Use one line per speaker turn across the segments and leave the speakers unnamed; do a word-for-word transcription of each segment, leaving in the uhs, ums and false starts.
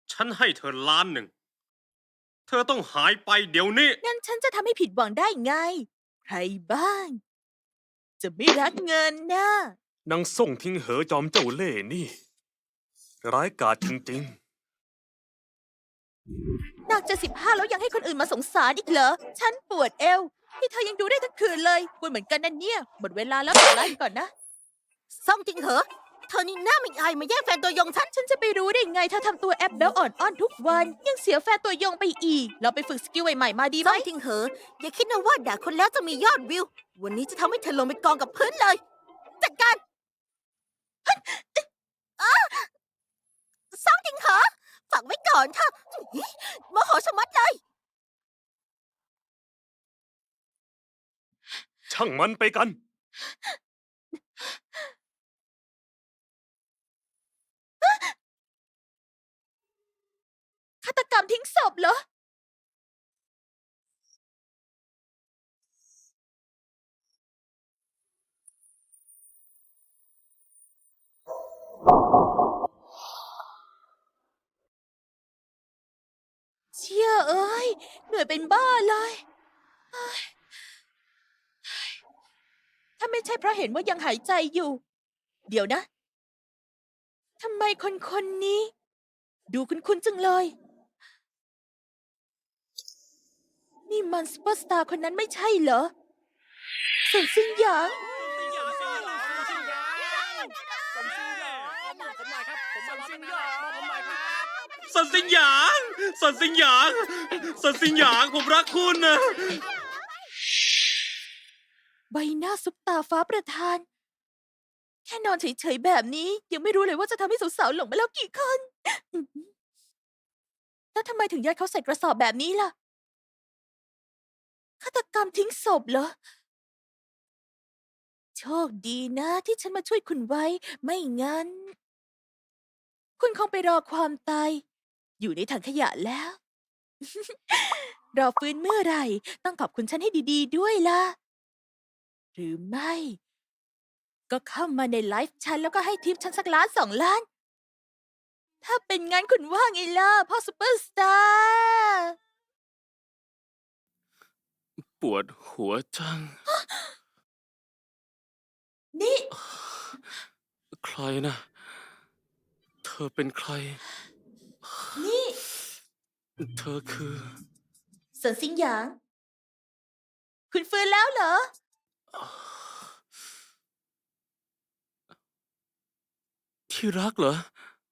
ฉันให้เธอล้านหนึ่งเธอต้องหายไปเดี๋ยวนี้
งั้นฉันจะทำให้ผิดหวังได้ไง ใครบ้าง จะไม่รักเงินนะ
นางส่งทิ้งเหอจอมเจ้าเล่ห์นี่ ร้ายกาจจริง
หนักจะสิบห้าแล้วยังให้คนอื่นมาสงสารอีกเหรอ ฉันปวดเอวที่เธอยังดูได้ทั้งคืนเลยปวดเหมือนกันนั่นเนี่ย หมดเวลาแล้วต่อไล่ก่อนนะ
ซ่องจริงเหรอเธอนี่หน้าไม่อายมาแย่งแฟนตัวยงฉัน
ฉันจะไปรู้ได้ไงถ้าทำตัวแอปเบลอ่อนอ้อนทุกวัน ยังเสียแฟนตัวยงไปอีก เราไปฝึกสกิลใหม่ๆมาดีไหม
ซ่องจริงเหรออย่าคิดนะว่าด่าคนแล้วจะมียอดวิว วันนี้จะทำให้เธอลงไปกองกับพื้นเลย จัดการอ้าซ่องจริงเหรอฝากไว้ก่อนเถอะโมโหชะมัดเลย
ๆ ช่างมันไปกัน
ฆาตกรรมทิ้งศพเหรอ เชี่ยเอ้ย เหนื่อยเป็นบ้าเลยเฮ้ยถ้าไม่ใช่เพราะเห็นว่ายังหายใจอยู่ เดี๋ยวนะ ทำไมคนคนนี้ ดูคุ้นๆจังเลย นี่มันซุปเปอร์สตาร์คนนั้นไม่ใช่เหรอเซินซิงหยาง
สันสิงหยางสันสิงหยางสันสิงหยางผมรักคุณนะ
ใบหน้าซุปตาฟ้าประธาน แค่นอนเฉยๆแบบนี้ ยังไม่รู้เลยว่าจะทำให้สาวๆหลงไปแล้วกี่คน แล้วทำไมถึงยัดเขาใส่กระสอบแบบนี้ล่ะ ฆาตกรรมทิ้งศพเหรอ โชคดีนะที่ฉันมาช่วยคุณไว้ ไม่งั้น คุณคงไปรอความตาย อยู่ในถังขยะแล้ว รอฟื้นเมื่อไหร่ ต้องขอบคุณฉันให้ดีๆด้วยล่ะ หรือไม่ ก็เข้ามาในไลฟ์ฉันแล้วก็ให้ทิปฉันสักล้านสองล้าน ถ้าเป็นงั้นคุณว่าไงล่ะ พ่อซุปเปอร์สตาร์
ปวดหัวจัง
นี่
ใครนะ เธอเป็นใคร
นี่
เธอคือ
เซินซิงหยาง คุณฟื้นแล้วเหรอ
ที่รักเหรอ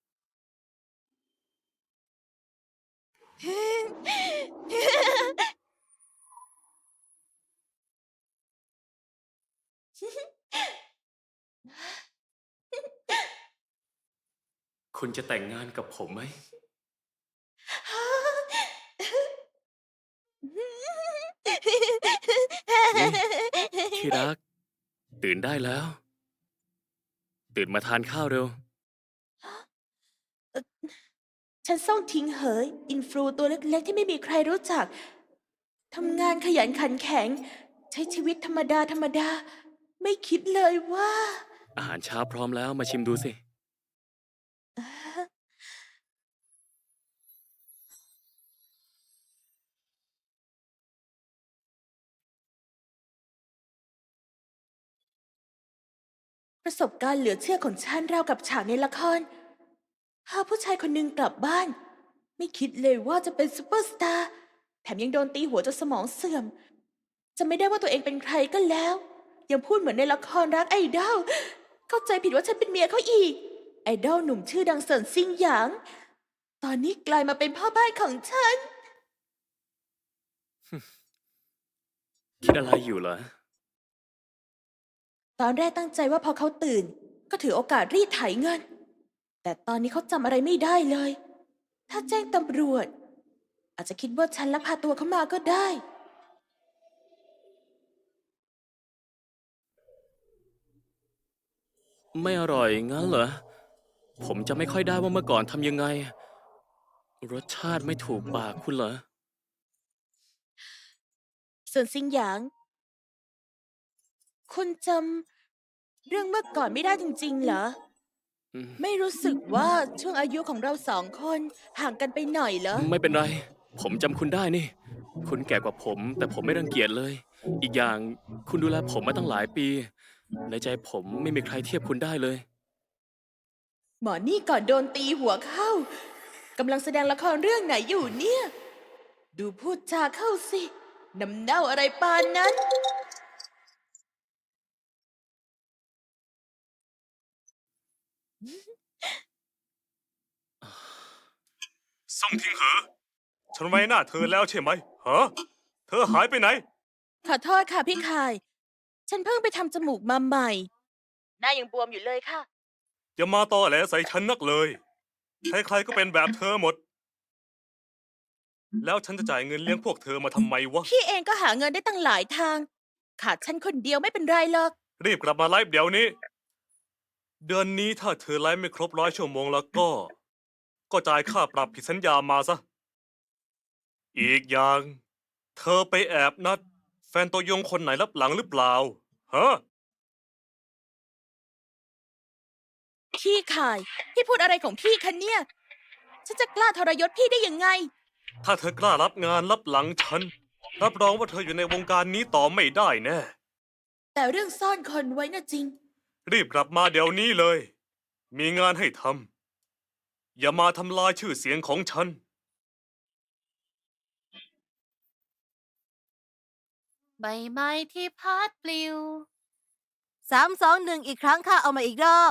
คุณจะแต่งงานกับผมไหม ที่รัก ตื่นได้แล้ว ตื่นมาทานข้าวเร็ว
ฉันส่งทิ้งเหย อินฟลูตัวเล็กๆที่ไม่มีใครรู้จัก ทำงานขยันขันแข็ง ใช้ชีวิตธรรมดาธรรมดา ไม่คิดเลยว่า
อาหารเช้าพร้อมแล้วมาชิมดูสิ
ประสบการณ์เหลือเชื่อของฉันราวกับฉากในละครพาผู้ชายคนหนึ่งกลับบ้าน ไม่คิดเลยว่าจะเป็นซูเปอร์สตาร์แถมยังโดนตีหัวจนสมองเสื่อมจะไม่ได้ว่าตัวเองเป็นใครก็แล้ว ยังพูดเหมือนในละครรักไอดอลเข้าใจผิดว่าฉันเป็นเมียเขาอีก ไอดอลหนุ่มชื่อดังเซินซิงหยาง ตอนนี้กลายมาเป็นพ่อบ้านของฉัน
คิดอะไรอยู่เหรอ
ตอนแรกตั้งใจว่าพอเขาตื่น ก็ถือโอกาสรีดไถเงิน แต่ตอนนี้เขาจำอะไรไม่ได้เลย ถ้าแจ้งตำรวจ อาจจะคิดว่าฉันลักพาตัวเขามาก็ได้
ไม่อร่อยงั้นเหรอ ผมจะไม่ค่อยได้ว่าเมื่อก่อนทำยังไง รสชาติไม่ถูกปากคุณเหรอ
ส่วนซิงหยาง คุณจำเรื่องเมื่อก่อนไม่ได้จริงๆเหรอ
อืม
ไม่รู้สึกว่าช่วงอายุของเราสองคนห่างกันไปหน่อยเหรอ
ไม่เป็นไร ผมจำคุณได้นี่ คุณแก่กว่าผม แต่ผมไม่รังเกียจเลย อีกอย่างคุณดูแลผมมาตั้งหลายปี ในใจผมไม่มีใครเทียบคุณได้เลย
หมอนี่ก่อนโดนตีหัวเข้ากำลังแสดงละครเรื่องไหนอยู่เนี่ย ดูพูดจาเข้าสิน้ำเน่าอะไรปานนั้น
ส่งทิ้งเหอะฉันไว้หน้าเธอแล้วใช่ไหมฮะเธอหายไปไหน
ขอโทษค่ะพี่คาย ฉันเพิ่งไปทำจมูกมาใหม่ หน้ายังบวมอยู่เลยค่ะ
อย่ามาตอแหลใส่ฉันนักเลย ใครๆก็เป็นแบบเธอหมด แล้วฉันจะจ่ายเงินเลี้ยงพวกเธอมาทำไมวะ
พี่เองก็หาเงินได้ตั้งหลายทาง ขาดฉันคนเดียวไม่เป็นไรหรอก
รีบกลับมาไลฟ์เดี๋ยวนี้ เดือนนี้ถ้าเธอไลฟ์ไม่ครบร้อยชั่วโมงแล้วก็ ก็จ่ายค่าปรับผิดสัญญามาซะ อีกอย่าง เธอไปแอบนัด แฟนตัวยงคนไหนรับหลังหรือเปล่า ฮะ
พี่คาย พี่พูดอะไรของพี่คะเนี่ย ฉันจะกล้าทรยศพี่ได้ยังไง
ถ้าเธอกล้ารับงานรับหลังฉัน รับรองว่าเธออยู่ในวงการนี้ต่อไม่ได้แน่
แต่เรื่องซ่อนคนไว้น่ะจริง
รีบกลับมาเดี๋ยวนี้เลย มีงานให้ทำ อย่ามาทำลายชื่อเสียงของฉัน
ใบไม้ที่พัดปลิว
สามสองหนึ่งอีกครั้งค่ะ เอามาอีกรอบ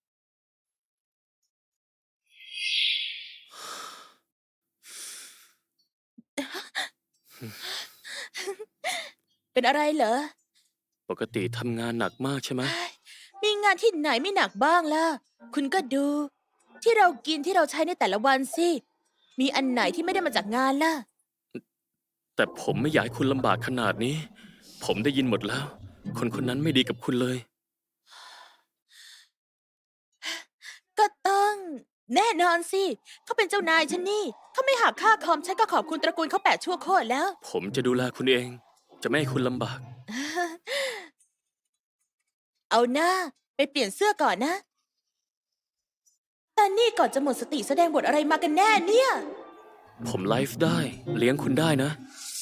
เป็นอะไรเหรอ
ปกติทำงานหนักมากใช่ไหม
มีงานที่ไหนไม่หนักบ้างล่ะ คุณก็ดู ที่เรากินที่เราใช้ในแต่ละวันสิ มีอันไหนที่ไม่ได้มาจากงานล่ะ
แต่ผมไม่อยากให้คุณลำบากขนาดนี้ ผมได้ยินหมดแล้ว คนคนนั้นไม่ดีกับคุณเลย
ก็ต้อง แน่นอนสิ เขาเป็นเจ้านายฉันนี่ เขาไม่หักค่าคอมฉันก็ขอบคุณตระกูลเขาแปดชั่วโคตรแล้ว
ผมจะดูแลคุณเอง จะไม่ให้คุณลำบาก
เอาหน้า ไปเปลี่ยนเสื้อก่อนนะ แต่นี่ก่อนจะหมดสติแสดงบทอะไรมากันแน่เนี่ย
ผมไลฟ์ได้ เลี้ยงคุณได้นะ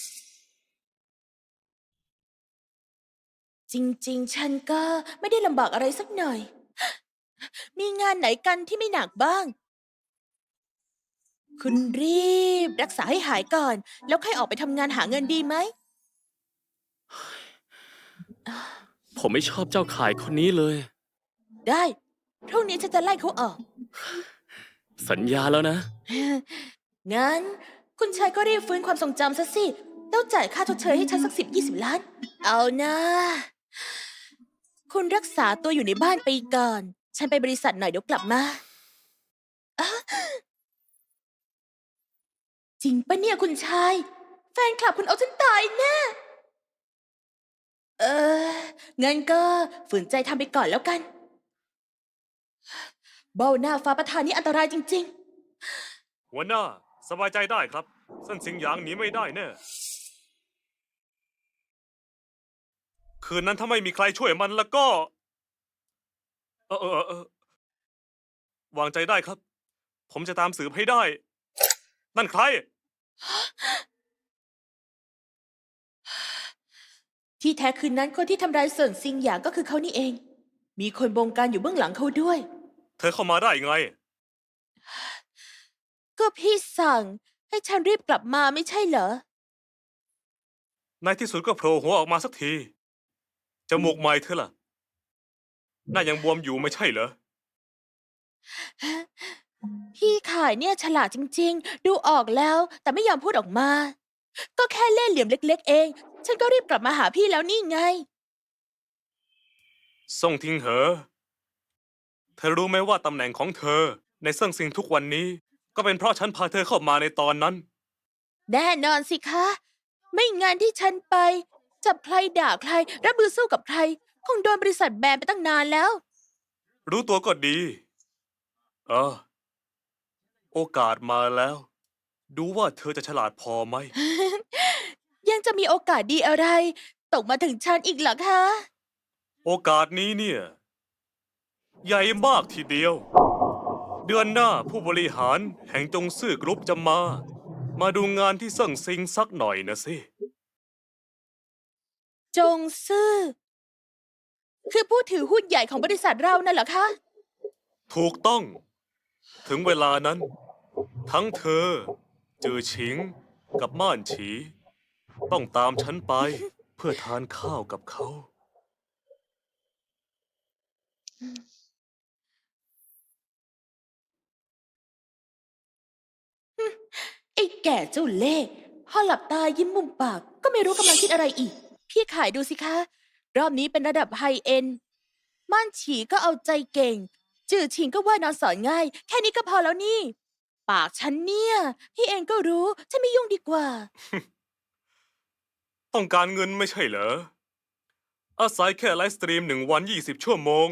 จริงๆ ฉันก็ไม่ได้ลำบากอะไรสักหน่อย มีงานไหนกันที่ไม่หนักบ้าง คุณรีบรักษาให้หายก่อน แล้วค่อยออกไปทำงานหาเงินดีไหม
ผมไม่ชอบเจ้าขายคนนี้เลย
ได้ พรุ่งนี้ฉันจะไล่เขาออก
สัญญาแล้วนะ
งั้น คุณชายก็รีบฟื้นความทรงจำซะสิแล้วจ่ายค่าชดเชยให้ฉันสักสิบยี่สิบล้าน เอานะ คุณรักษาตัวอยู่ในบ้านไปก่อน ฉันไปบริษัทหน่อยเดี๋ยวกลับมาอ๊ะจริงปะเนี่ยคุณชาย แฟนคลับคุณเอาฉันตายแน่ เออ งั้นก็ฝืนใจทำไปก่อนแล้วกัน เบ้าหน้าฟ้าประธานนี่อันตรายจริง ๆ
หัวหน้า สบายใจได้ครับเส้นสิงหยางหนีไม่ได้แน่ คืนนั้นถ้าไม่มีใครช่วยมันแล้วก็ เออเออเออวางใจได้ครับ ผมจะตามสืบให้ได้ นั่นใคร
ที่แท้คืนนั้นคนที่ทำร้ายเสินซิงหยางก็คือเขานี่เอง มีคนบงการอยู่เบื้องหลังเขาด้วย
เธอเข้ามาได้ไง
ก็พี่สั่งให้ฉันรีบกลับมาไม่ใช่เหรอ
ในที่สุดก็โผล่หัวออกมาสักที จมูกใหม่เธอล่ะ หน้ายังบวมอยู่ไม่ใช่เหรอ
พี่ขายเนี่ยฉลาดจริงๆ ดูออกแล้วแต่ไม่ยอมพูดออกมา ก็แค่เล่ห์เหลี่ยมเล็กๆเอง ฉันก็รีบกลับมาหาพี่แล้วนี่ไง
ส่งทิ้งเหอ เธอรู้ไหมว่าตำแหน่งของเธอ ในเซิ่งซิงทุกวันนี้ ก็เป็นเพราะฉันพาเธอเข้ามาในตอนนั้น
แน่นอนสิคะ ไม่งานที่ฉันไป จับใครด่าใครรับมือสู้กับใคร คงโดนบริษัทแบนไปตั้งนานแล้ว
รู้ตัวก็ดี เออ โอกาสมาแล้ว ดูว่าเธอจะฉลาดพอไหม
ยังจะมีโอกาสดีอะไร ตกมาถึงฉันอีกเหรอคะ
โอกาสนี้เนี่ย ใหญ่มากทีเดียวเดือนหน้าผู้บริหารแห่งจงซื่อกรุ๊ปจะมา มาดูงานที่เซิ่งซิงสักหน่อยนะสิ
จงซื่อ คือผู้ถือหุ้นใหญ่ของบริษัทเรานั่นเหรอคะ
ถูกต้อง ถึงเวลานั้น ทั้งเธอ จือฉิง กับม่านฉี ต้องตามฉันไป เพื่อทานข้าวกับเขา
ไอ้แก่เจ้าเล่ห์พอหลับตายิ้มมุมปาก ก็ไม่รู้กำลังคิดอะไรอีก พี่ขายดูสิคะ รอบนี้เป็นระดับไฮเอ็นม่านฉีก็เอาใจเก่ง จื่อชิงก็ว่านอนสอนง่าย แค่นี้ก็พอแล้วนี่ ปากฉันเนี่ย พี่เองก็รู้ ฉันไม่ยุ่งดีกว่า
ต้องการเงินไม่ใช่เหรอ อาศัยแค่ไลฟ์สตรีมหนึ่งวันยี่สิบชั่วโมง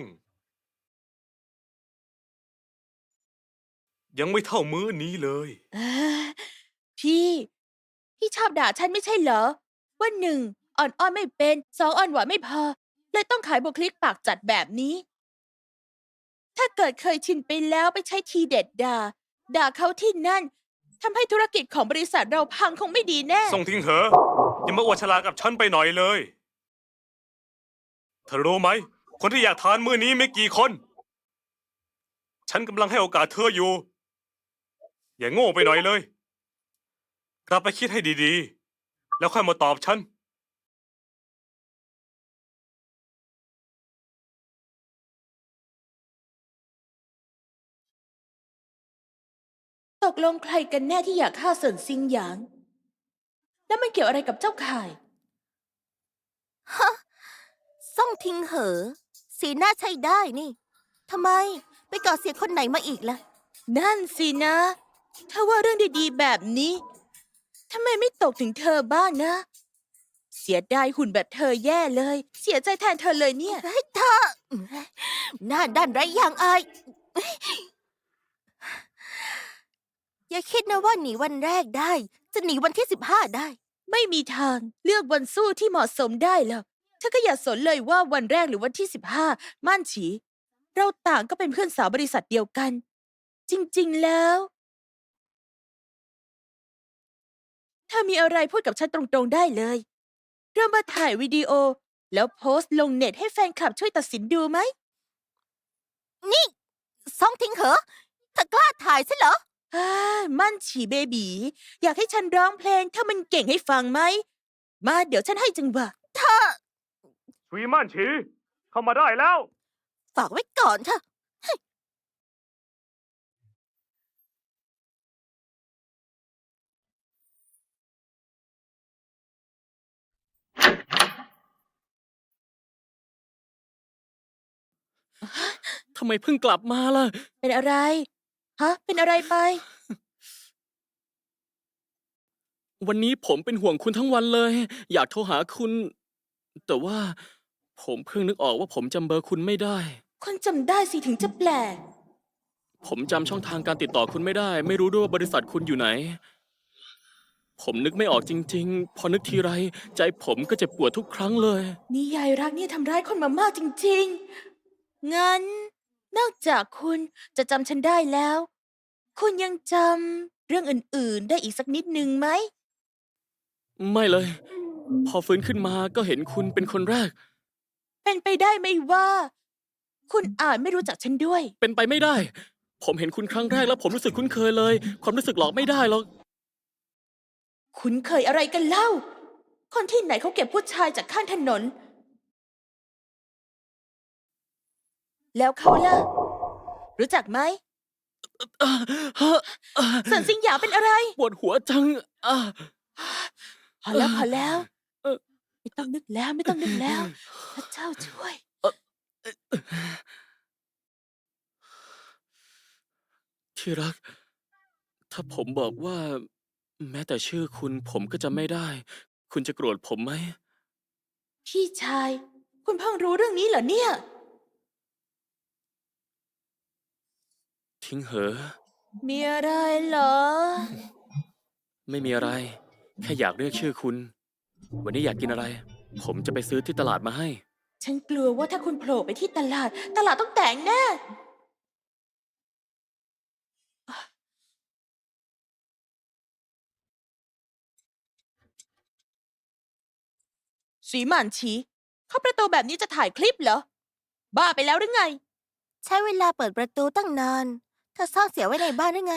ยังไม่เท่ามื้อนี้เลย
เอ้อพี่ พี่ชอบด่าฉันไม่ใช่เหรอ ว่าหนึ่งอ่อนอ้อนไม่เป็นสองอ่อนหวานไม่พอ เลยต้องขายบุคลิกปากจัดแบบนี้ ถ้าเกิดเคยชินไปแล้วไปใช้ทีเด็ดด่า ด่าเขาที่นั่นทำให้ธุรกิจของบริษัทเราพังคงไม่ดีแน่
ส่งทิ้งเหอะอย่ามาอวดฉลาดกับฉันไปหน่อยเลย เธอรู้ไหม คนที่อยากทานมื้อนี้ไม่กี่คน ฉันกำลังให้โอกาสเธออยู่ อย่าโง่ไปหน่อยเลย กลับไปคิดให้ดีๆ แล้วค่อยมาตอบฉัน
ตกลงใครกันแน่ที่อยากฆ่าเซินซิงหยาง แล้วมันเกี่ยวอะไรกับเจ้าข่าย
ซ่องทิงเหอ สีหน้าใช้ได้นี่ ทำไม ไปก่อเสียคนไหนมาอีกล่ะ
นั่นสินะ ถ้าว่าเรื่องดีๆแบบนี้ทำไมไม่ตกถึงเธอบ้างนะ เสียดายหุ่นแบบเธอแย่เลย เสียใจแทนเธอเลยเนี่ย
ให้เธอหน้าด้านไร้ยางอาย อย่าคิดนะว่าหนีวันแรกได้ จะหนีวันที่สิบห้าได้
ไม่มีทางเลือกวันสู้ที่เหมาะสมได้หรอกเธอก็อย่าสนเลยว่าวันแรกหรือวันที่สิบห้าม่านฉี เราต่างก็เป็นเพื่อนสาวบริษัทเดียวกัน จริงๆแล้วถ้ามีอะไรพูดกับฉันตรงๆได้เลยเรามาถ่ายวิดีโอ แล้วโพสต์ลงเน็ตให้แฟนคลับช่วยตัดสินดูไหม
นี่ซ่องทิงเหอเธอกล้าถ่ายใช่เหรอ
อ่ามั่นฉีเบบีอยากให้ฉันร้องเพลงถ้ามันเก่งให้ฟังไหม มาเดี๋ยวฉันให้จังหวะ
ชุยม่านฉี เข้ามาได้แล้ว
ฝากไว้ก่อนเถอะ
ทำไมเพิ่งกลับมาล่ะ
เป็นอะไร ฮะ เป็นอะไรไป
วันนี้ผมเป็นห่วงคุณทั้งวันเลย อยากโทรหาคุณ แต่ว่าผมเพิ่งนึกออกว่าผมจำเบอร์คุณไม่ได้
คนจำได้สิถึงจะแปลก
ผมจำช่องทางการติดต่อคุณไม่ได้ ไม่รู้ด้วยว่าบริษัทคุณอยู่ไหน ผมนึกไม่ออกจริงๆ พอนึกทีไร ใจผมก็เจ็บปวดทุกครั้งเลย
นี่ยายรักเนี่ยทำร้ายคนมามากจริงๆ งั้น นอกจากคุณจะจำฉันได้แล้ว คุณยังจำเรื่องอื่นๆ ได้อีกสักนิดนึงไหม
ไม่เลย พอฟื้นขึ้นมาก็เห็นคุณเป็นคนแรก
เป็นไปได้ไหมว่า คุณอาจไม่รู้จักฉันด้วย
เป็นไปไม่ได้ ผมเห็นคุณครั้งแรกแล้วผมรู้สึกคุ้นเคยเลย ความรู้สึกหลอกไม่ได้หรอก
คุณเคยอะไรกันเล่า คนที่ไหนเขาเก็บผู้ชายจากข้างถนน แล้วเขาล่ะ รู้จักไหมสันสิงหยางเป็นอะไร
ปวดหัวจังอ่ะ
พอแล้วพอแล้ว
เออ
ไม่ต้องนึกแล้วไม่ต้องนึกแล้วพระเจ้าช่วย
ที่รัก ถ้าผมบอกว่า แม้แต่ชื่อคุณผมก็จะไม่ได้ คุณจะโกรธผมไหม
พี่ชาย คุณเพิ่งรู้เรื่องนี้เหรอเนี่ย
ทิ้งเหอะ
มีอะไรเหรอ
ไม่มีอะไร แค่อยากเรียกชื่อคุณ วันนี้อยากกินอะไร ผมจะไปซื้อที่ตลาดมาให้
ฉันกลัวว่าถ้าคุณโผล่ไปที่ตลาด ตลาดต้องแตกแน่สีหมันฉีเข้าประตูแบบนี้จะถ่ายคลิปเหรอ บ้าไปแล้วหรือไง
ใช้เวลาเปิดประตูตั้งนานเธอซ่อนเสียไว้ในบ้านหรือไง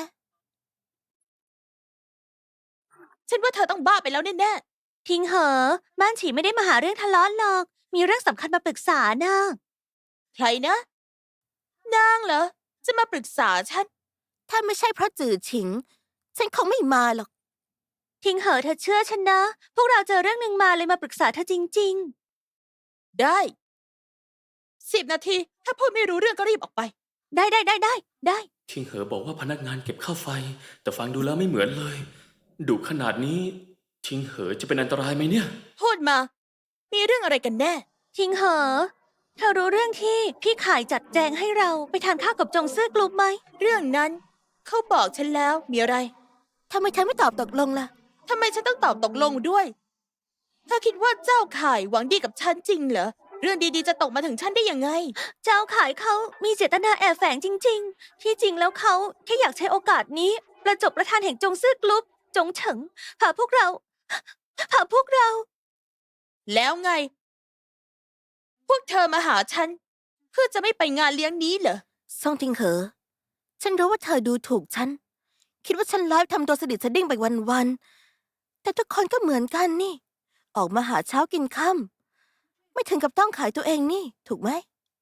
ฉันว่าเธอต้องบ้าไปแล้วแน่
ทิ้งเหอะบ้านฉีไม่ได้มาหาเรื่องทะเลาะหรอก มีเรื่องสำคัญมาปรึกษานะ
ๆใครนะ นางเหรอ จะมาปรึกษาฉัน
ถ้าไม่ใช่เพราะจือฉิง ฉันคงไม่มาหรอก ทิ้งเหอะเธอเชื่อฉันนะ พวกเราเจอเรื่องหนึ่งมาเลยมาปรึกษาเธอจริง
ได้สิบนาที ถ้าพูดไม่รู้เรื่องก็รีบออกไป
ๆ ได้ได้ได้ได้ได้
ทิงเหอบอกว่าพนักงานเก็บค่าไฟ แต่ฟังดูแล้วไม่เหมือนเลยดุขนาดนี้ ทิงเหอจะเป็นอันตรายไหมเนี่ย
พูดมา มีเรื่องอะไรกันแน่
ทิ้งเหอะเธอรู้เรื่องที่พี่ขายจัดแจงให้เราไปทานข้าวกับจงซื่อกลุ่มไหม
เรื่องนั้น เขาบอกฉันแล้ว มีอะไร
ทำไมเธอไม่ตอบตกลงล่ะ
ทำไมฉันต้องตอบตกลงด้วยเธอคิดว่าเจ้าข่ายหวังดีกับฉันจริงเหรอ เรื่องดีๆจะตกมาถึงฉันได้ยังไง
เจ้าขายเขามีเจตนาแอบแฝงจริง ๆ ที่จริงแล้วเขาแค่อยากใช้โอกาสนี้ ประจบประธานแห่งจงซื่อกลุ่มจงเฉิงพาพวกเราพาพวกเรา
แล้วไง พวกเธอมาหาฉัน เพื่อจะไม่ไปงานเลี้ยงนี้เหรอ
ซ่งทิงเหอ ฉันรู้ว่าเธอดูถูกฉัน คิดว่าฉันไลฟ์ทำตัวสดิดสดิ้งไปวันๆ แต่ทุกคนก็เหมือนกันนี่ ออกมาหาเช้ากินค่ำไม่ถึงกับต้องขายตัวเองนี่ ถูกไหม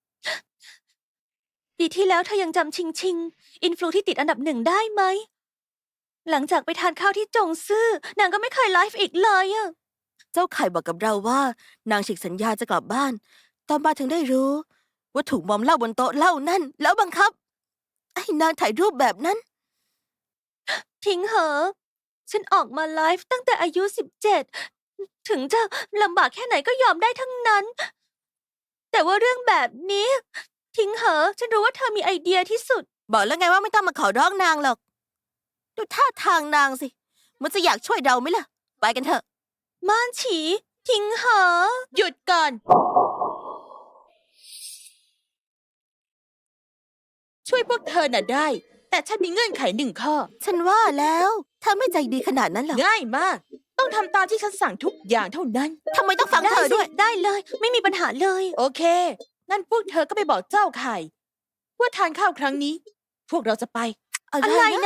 ปีที่แล้วเธอยังจำชิงชิง อินฟลูที่ติดอันดับหนึ่งได้ไหม หลังจากไปทานข้าวที่จงซื่อนางก็ไม่เคยไลฟ์อีกเลยอะเจ้าไข่บอกกับเราว่า นางฉีกสัญญาจะกลับบ้าน ตอนมาถึงได้รู้ ว่าถูกมอมเหล้าบนโต๊ะเหล้านั่น แล้วบังคับไอ้นางถ่ายรูปแบบนั้น ทิ้งเหอะ ฉันออกมาไลฟ์ตั้งแต่อายุสิบเจ็ด ถึงจะลำบากแค่ไหนก็ยอมได้ทั้งนั้น แต่ว่าเรื่องแบบนี้ ทิ้งเหอะ ฉันรู้ว่าเธอมีไอเดียที่สุด บอกแล้วไงว่าไม่ต้องมาขอร้องนางหรอก ดูท่าทางนางสิ มันจะอยากช่วยเราไหมล่ะ ไปกันเถอะ ม่านฉี ทิ้งเหอะ
หยุดก่อน ช่วยพวกเธอน่ะได้ แต่ฉันมีเงื่อนไขหนึ่งข้อ
ฉันว่าแล้วเธอไม่ใจดีขนาดนั้นหรอก
ง่ายมาก ต้องทำตามที่ฉันสั่งทุกอย่างเท่านั้น
ทำไมต้องฟังเธอด้วย ได้เลย ไม่มีปัญหาเลย
โอเค งั้นพวกเธอก็ไปบอกเจ้าข่าย ว่าทานข้าวครั้งนี้ พวกเราจะไป
อะไรนะ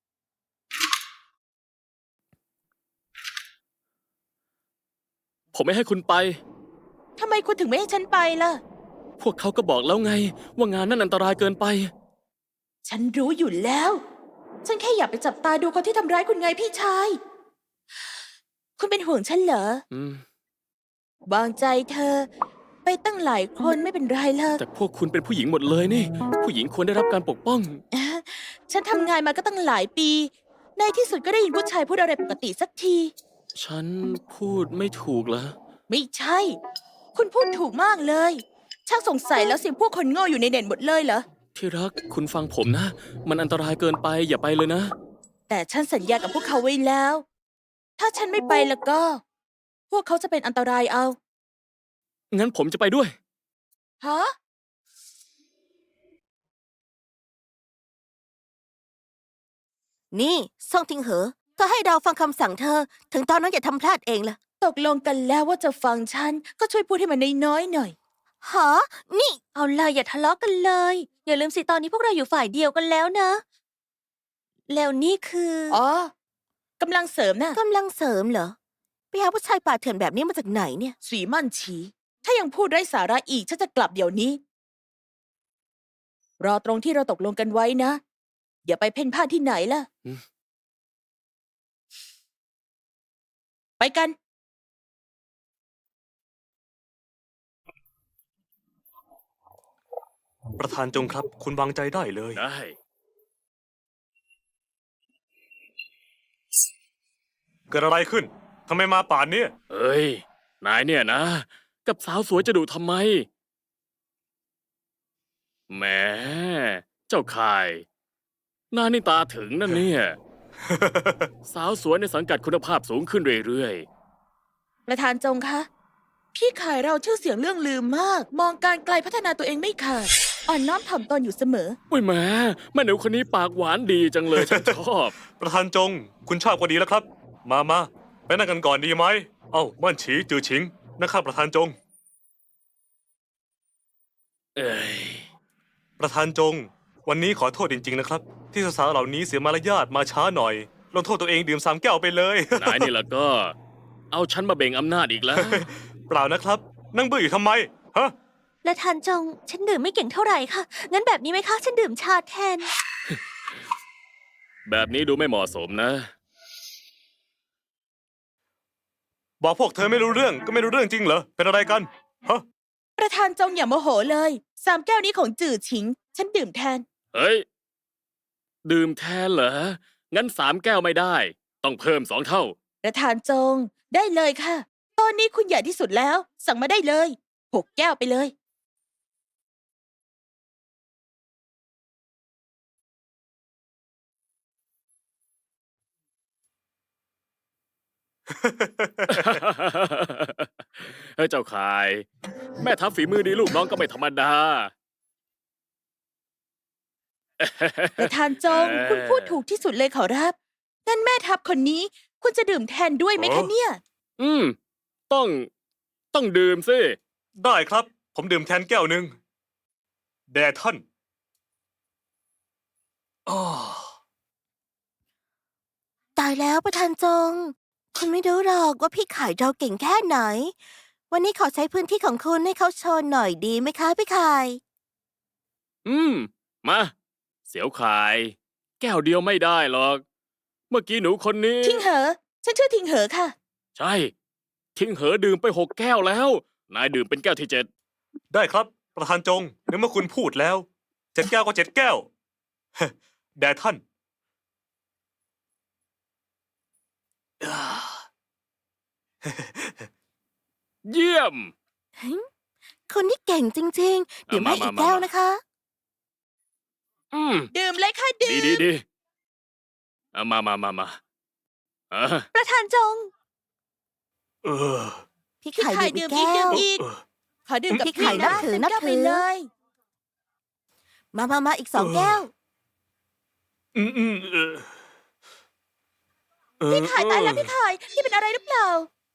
ผมไม่ให้คุณไป
ทำไมคุณถึงไม่ให้ฉันไปล่ะ
พวกเขาก็บอกแล้วไง ว่างานนั้นอันตรายเกินไป
ฉันรู้อยู่แล้ว ฉันแค่อยากไปจับตาดูคนที่ทำร้ายคุณไงพี่ชาย คุณเป็นห่วงฉันเหรอ
อืม
วางใจเธอ ไปตั้งหลายคนไม่เป็นไรหรอก
แต่พวกคุณเป็นผู้หญิงหมดเลยนี่ ผู้หญิงควรได้รับการปกป้อง
ฉันทำงานมาก็ตั้งหลายปี ในที่สุดก็ได้ยินผู้ชายพูดอะไรปกติสักที
ฉันพูดไม่ถูกเหรอ
ไม่ใช่ คุณพูดถูกมากเลย ช่างสงสัยแล้วสิพวกคนโง่อยู่ในเน็ตหมดเลยเหรอ
ที่รักคุณฟังผมนะ มันอันตรายเกินไปอย่าไปเลยนะ
แต่ฉันสัญญากับพวกเขาไว้แล้ว ถ้าฉันไม่ไปแล้วก็ พวกเขาจะเป็นอันตรายเอา
งั้นผมจะไปด้วย
ฮะ
นี่ซ่งทิงเหอ เธอให้เราฟังคำสั่งเธอ ถึงตอนนั้นอย่าทำพลาดเองล่ะ
ตกลงกันแล้วว่าจะฟังฉัน ก็ช่วยพูดให้มันน้อยๆหน่อย
หา นี่ เอาเลยอย่าทะเลาะกันเลย อย่าลืมสิตอนนี้พวกเราอยู่ฝ่ายเดียวกันแล้วนะ แล้วนี่คือ
อ๋อกำลังเสริมนะ
กำลังเสริมเหรอ ไปหาผู้ชายป่าเถื่อนแบบนี้มาจากไหนเนี่ย
สีมั่นฉี ถ้ายังพูดไร้สาระอีกฉันจะกลับเดี๋ยวนี้ รอตรงที่เราตกลงกันไว้นะ อย่าไปเพ่นพ่านที่ไหนล่ะ
อืม
ไปกัน
ประธานจงครับ คุณวางใจได้เลย
ได้
เกิดอะไรขึ้น ทำไมมาป่านเนี้ย
เอ้ย นายเนี่ยนะ กับสาวสวยจะดุทำไม แหม เจ้าข่ายนายนี่ตาถึงนั่นเนี่ย สาวสวยในสังกัดคุณภาพสูงขึ้นเรื่อย
ประธานจงคะ พี่ขายเราชื่อเสียงเรื่องลืมมาก มองการไกลพัฒนาตัวเองไม่ขาด อ่อนน้อมถ่อมตนอยู่เสมอ
ๆ อุ้ยแหมแม่หนูคนนี้ปากหวานดีจังเลย ฉันชอบ
ประธานจง คุณชอบก็ดีแล้วครับ มามาไปนั่งกันก่อนดีไหม เอ้าม่านฉีจือฉิงนะครับประธานจง
เอ้ย
ประธานจง วันนี้ขอโทษจริงๆนะครับ ที่สาวๆเหล่านี้เสียมารยาทมาช้าหน่อยลงโทษตัวเองดื่มสามแก้วไปเลย
นายนี่ละก็ เอาฉันมาเบ่งอำนาจอีกแล้ว
เปล่านะครับ นั่งเบื่ออยู่ทำไมฮะ
ประธานจง ฉันดื่มไม่เก่งเท่าไหร่ค่ะ งั้นแบบนี้ไหมคะ ฉันดื่มชาแทน
แบบนี้ดูไม่เหมาะสมนะ
บอกพวกเธอไม่รู้เรื่องก็ไม่รู้เรื่องจริงเหรอเป็นอะไรกันฮะ
ประธานจงอย่าโมโหเลยสามแก้วนี้ของจื่อฉิง ฉันดื่มแทน
เฮ้ย ดื่มแทนเหรอ งั้นสามแก้วไม่ได้ ต้องเพิ่มสองเท่า
ประธานจง ได้เลยค่ะ ตอนนี้คุณใหญ่ที่สุดแล้ว สั่งมาได้เลยหกแก้วไปเลย
เฮ้ยเจ้าขาย แม่ทัพฝีมือดีลูกน้องก็ไม่ธรรมดา
ประธานจง คุณพูดถูกที่สุดเลยขอรับ งั้นแม่ทัพคนนี้ คุณจะดื่มแทนด้วยไหม
อ๋
คะ
อ
เนี่ย
อืม ต้อง ต้องดื่มสิ
ได้ครับ ผมดื่มแทนแก้วหนึ่งแด่ท่านอ้อ
ตายแล้วประธานจง คุณไม่รู้หรอกว่าพี่ขายเราเก่งแค่ไหน วันนี้ขอใช้พื้นที่ของคุณให้เขาโชว์หน่อยดีไหมคะพี่ขาย
อืม มา เสียวขาย แก้วเดียวไม่ได้หรอก เมื่อกี้หนูคนนี้
ทิงเหอ ฉันชื่อทิงเหอค่ะ
ใช่ ทิ้งเหอดื่มไปหกแก้วแล้ว นายดื่มเป็นแก้วที่เจ็ด
ได้ครับ ประธานจงในเมื่อคุณพูดแล้วเจ็ดแก้วก็เจ็ดแก้ว แด่ท่าน
เยี่ยม
คนที่เก่งจริงๆ ดื่มให้
มา
อี
มาก
แก้ว
มา
นะคะ
อืม
ดื่มเลยค่ะดื่
ดี
ม
ดีดีเอามามามามาอ่ะ
ประธานจง
เออ
พี่
พี่
ขาย
ไข่
ดื่
ดื่
ม
ม
อี
อี
ก
ก
แก้ว
ดื่มอีก
เออ
ขอดื่มกับ
พี่ไข่
พี่
นับ
นะ
ถือ
เป็น
นับ
แก้ว
ถื
ไป
อ
เลย
มามามาอีกสอง
เออ
แก้ว
อืมอืมเออเออ
พี่ไข่ตายแล้ว
เออ
พี่ไข่พี่เป็นอะไรหรือเปล่า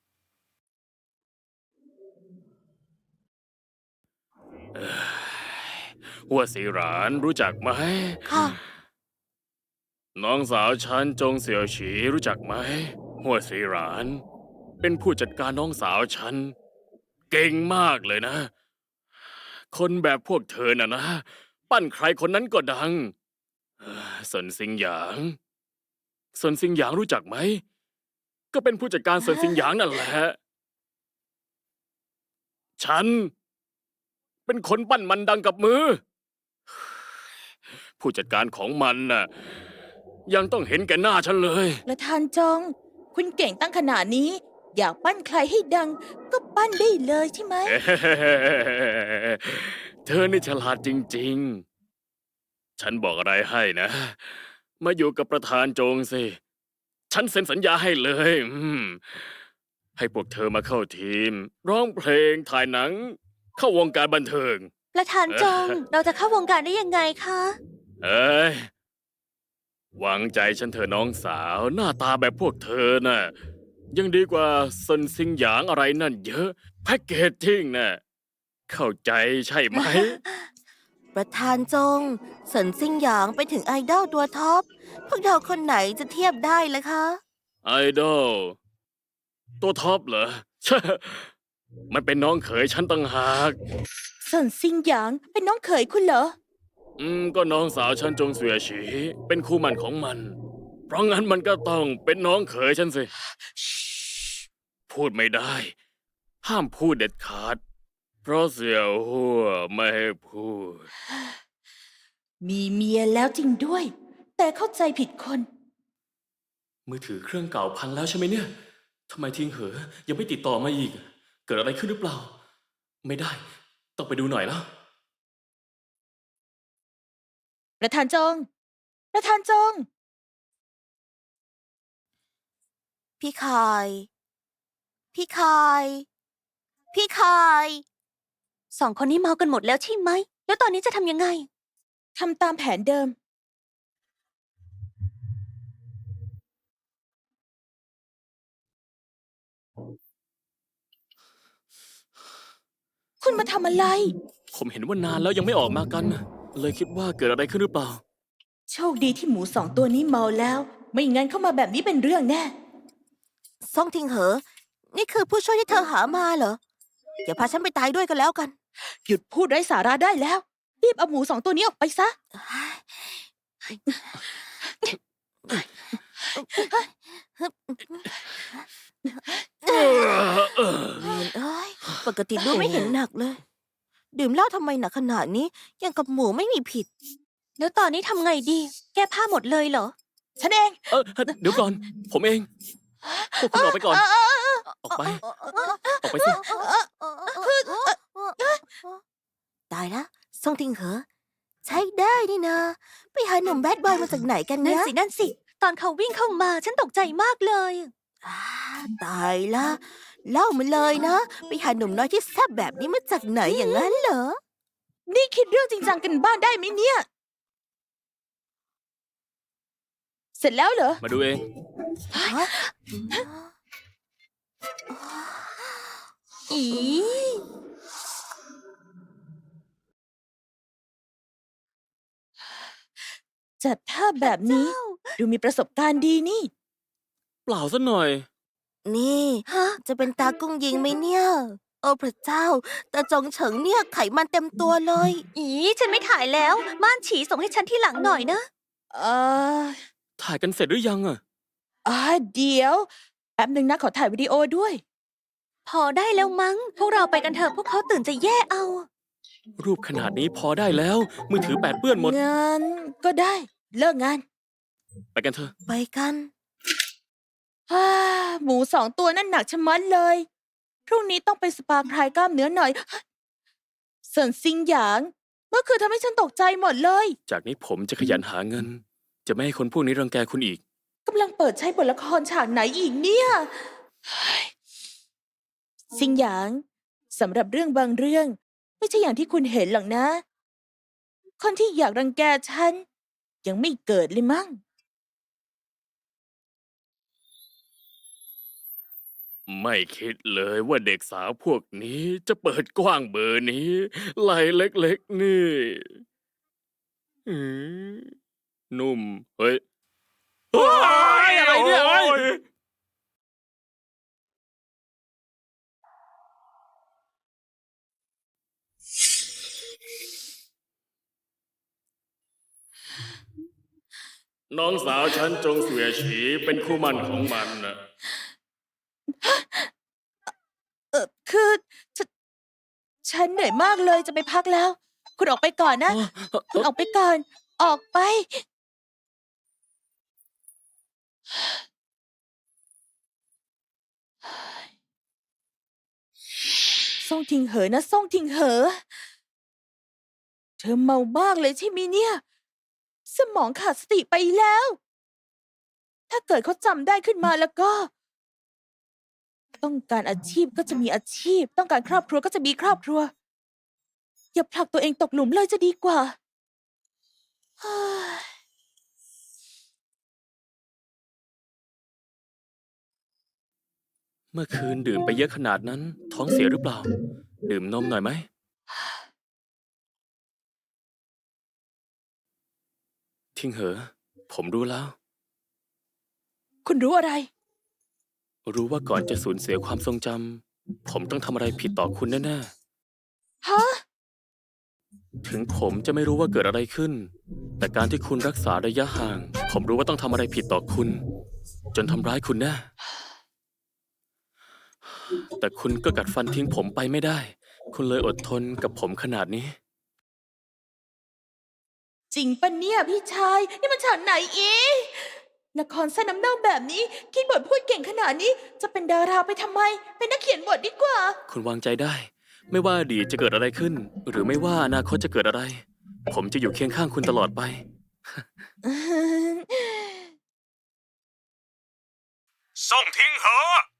หัวสีหรานรู้จักไหม
ค่ะ
น้องสาวฉันจงเสี่ยวฉีรู้จักไหม หัวสีหราน เป็นผู้จัดการน้องสาวฉัน เก่งมากเลยนะ คนแบบพวกเธอน่ะนะ ปั้นใครคนนั้นก็ดังเอ่อสนซิงหยางสนซิงหยางรู้จักไหม ก็เป็นผู้จัดการสนซิงหยางนั่นแหละ ฉัน เป็นคนปั้นมันดังกับมือ ผู้จัดการของมันน่ะ ยังต้องเห็นแก่หน้าฉันเลย
ประธานจง คุณเก่งตั้งขนาดนี้ อยากปั้นใครให้ดัง ก็ปั้นได้เลยใช่ไหม
เธอนี่ฉลาดจริงๆ ฉันบอกอะไรให้นะ มาอยู่กับประธานโจงสิ ฉันเซ็นสัญญาให้เลยอืมให้พวกเธอมาเข้าทีม ร้องเพลง ถ่ายหนัง เข้าวงการบันเทิง
ประธานจง เราจะเข้าวงการได้ยังไงคะ
เอ้ย หวังใจฉันเถอะน้องสาว หน้าตาแบบพวกเธอน่ะ ยังดีกว่าซนซิงหยางอะไรนั่นเยอะ แพ็กเกจจิ้งน่ะ เข้าใจใช่ไหม
ประธานจงเสินซิงหยางเป็นถึงไอดอลตัวท็อป พวกเราคนไหนจะเทียบได้ล่ะคะ
ไอดอลตัวท็อปเหรอ มันเป็นน้องเขยฉันต่างหาก
ส่วนซิงหยางเป็นน้องเขยคุณเหรอ
อืม ก็น้องสาวฉันจงเสวียฉี เป็นคู่หมันของมัน เพราะงั้นมันก็ต้องเป็นน้องเขยฉันสิ พูดไม่ได้ ห้ามพูดเด็ดขาด เพราะเสี่ยวหัวไม่ให้พูด
มีเมียแล้วจริงด้วย แต่เข้าใจผิดคน
มือถือเครื่องเก่าพังแล้วใช่ไหมเนี่ย ทำไมทิ้งเหอ ยังไม่ติดต่อมาอีก เกิดอะไรขึ้นหรือเปล่า ไม่ได้ ต้องไปดูหน่อยแล้ว
ประธานจง ประธานจง
พี่คาย พี่คาย พี่คาย สองคนนี้เมากันหมดแล้วใช่ไหม แล้วตอนนี้จะทำยังไง
ทำตามแผนเดิมคุณมาทำอะไร
ผมเห็นว่านานแล้วยังไม่ออกมากัน เลยคิดว่าเกิดอะไรขึ้นหรือเปล่า
โชคดีที่หมูสองตัวนี้เมาแล้ว ไม่งั้นเข้ามาแบบนี้เป็นเรื่องแน่
ซ่งทิงเหอ นี่คือผู้ช่วยที่เธอหามาเหรอ อย่าพาฉันไปตายด้วยกันแล้วกัน
หยุดพูดไร้สาระได้แล้ว รีบเอาหมูสองตัวนี้ออกไปซะ
เออเออ
เวียนเอ้ยปกติดูไม่เห็นหนักเลย ดื่มเหล้าทำไมหนักขนาดนี้ ยังกับหมูไม่มีผิด แล้วตอนนี้ทำไงดี แก้ผ้าหมดเลยเหรอ
ฉันเอง
เออเดี๋ยวก่อน ผมเอง พวกคุณออกไปก่อน ออกไป ออกไปสิ
ตายละซ่งทิงเหอ ใช้ได้นี่นะ ไปหาหนุ่มแบดบอยมาจากไหนกันนะ นั่นสิ นั่นสิ ตอนเขาวิ่งเข้ามาฉันตกใจมากเลยตายละเล่ามาเลยนะ ไปหาหนุ่มน้อยที่แซ่บแบบนี้มาจากไหนอย่างนั้นเหรอ
นี่คิดเรื่องจริงจังกันบ้านได้ไหมเนี่ย เสร็จแล้วเหรอ
มาดูเอง
อี
จัดท่าแบบนี้ ดูมีประสบการณ์ดีนี่
เปล่าซะหน่อย
นี่ฮะจะเป็นตากุ้งยิงไหมเนี่ย โอ้พระเจ้า ตาจงเฉิงเนี่ยไขมันเต็มตัวเลย อีฉันไม่ถ่ายแล้ว ม่านฉีส่งให้ฉันที่หลังหน่อยนะ
เออ
ถ่ายกันเสร็จหรือยังอะ
อ่าเดี๋ยว แป๊บหนึ่งนะขอถ่ายวิดีโอด้วย
พอได้แล้วมั้ง พวกเราไปกันเถอะพวกเขาตื่นจะแย่เอา
รูปขนาดนี้พอได้แล้ว มือถือแปดเปื้อนหมด
งั้นก็ได้ เลิกงาน
ไปกันเถอะ
ไปกัน
ฮ่าหมูสองตัวนั่นหนักชะมัดเลย พรุ่งนี้ต้องไปสปาคลายกล้ามเนื้อหน่อยเซินซิงหยาง เมื่อคืนทำให้ฉันตกใจหมดเลย
จากนี้ผมจะขยันหาเงิน จะไม่ให้คนพวกนี้รังแกคุณอีก
กำลังเปิดใช้บทละครฉากไหนอีกเนี่ยเฮ้ยซิงหยางสำหรับเรื่องบางเรื่อง ไม่ใช่อย่างที่คุณเห็นหรอกนะ คนที่อยากรังแกฉัน ยังไม่เกิดเลยมั้ง
ไม่คิดเลยว่าเด็กสาวพวกนี้จะเปิดกว้างเบอร์นี้ไหล่เล็กๆนี่อืมนุ่ม เฮ้ยเฮ้ยอะไรเนี่ยเฮ้ย น้องสาวฉันจงเสวียฉีเป็นคู่หมั่นของมันนะ
เออคือฉนฉันเหนื่อยมากเลยจะไปพักแล้ว คุณออกไปก่อนนะ คุณออกไปก่อน ออกไป ส่งทิงเหอนะส่งทิงเหอ เธอเมามากเลยใช่ไหมเนี่ย สมองขาดสติไปแล้ว ถ้าเกิดเขาจำได้ขึ้นมาแล้วก็ ต้องการอาชีพก็จะมีอาชีพ ต้องการครอบครัวก็จะมีครอบครัว อย่าผลักตัวเองตกหลุมเลยจะดีกว่าเฮ้ย
เมื่อคืนดื่มไปเยอะขนาดนั้น ท้องเสียหรือเปล่า ดื่มนมหน่อยไหม ทิงเหอ ผมรู้แล้ว
คุณรู้อะไร
รู้ว่าก่อนจะสูญเสียความทรงจำผมต้องทำอะไรผิดต่อคุณแน่
ฮะ
ๆ ถึงผมจะไม่รู้ว่าเกิดอะไรขึ้น แต่การที่คุณรักษาระยะห่าง ผมรู้ว่าต้องทำอะไรผิดต่อคุณ จนทำร้ายคุณแน่ แต่คุณก็กัดฟันทิ้งผมไปไม่ได้ คุณเลยอดทนกับผมขนาดนี้
จริงปะเนี่ยพี่ชาย นี่มันฉากไหนอีกละครสั้นน้ำเน่าแบบนี้ คิดบทพูดเก่งขนาดนี้ จะเป็นดาราไปทำไม เป็นนักเขียนบทดีกว่า
คุณวางใจได้ ไม่ว่าอดีตจะเกิดอะไรขึ้น หรือไม่ว่าอนาคตจะเกิดอะไร ผมจะอยู่เคียงข้างคุณตลอดไป
ส่งทิ้งเหอะ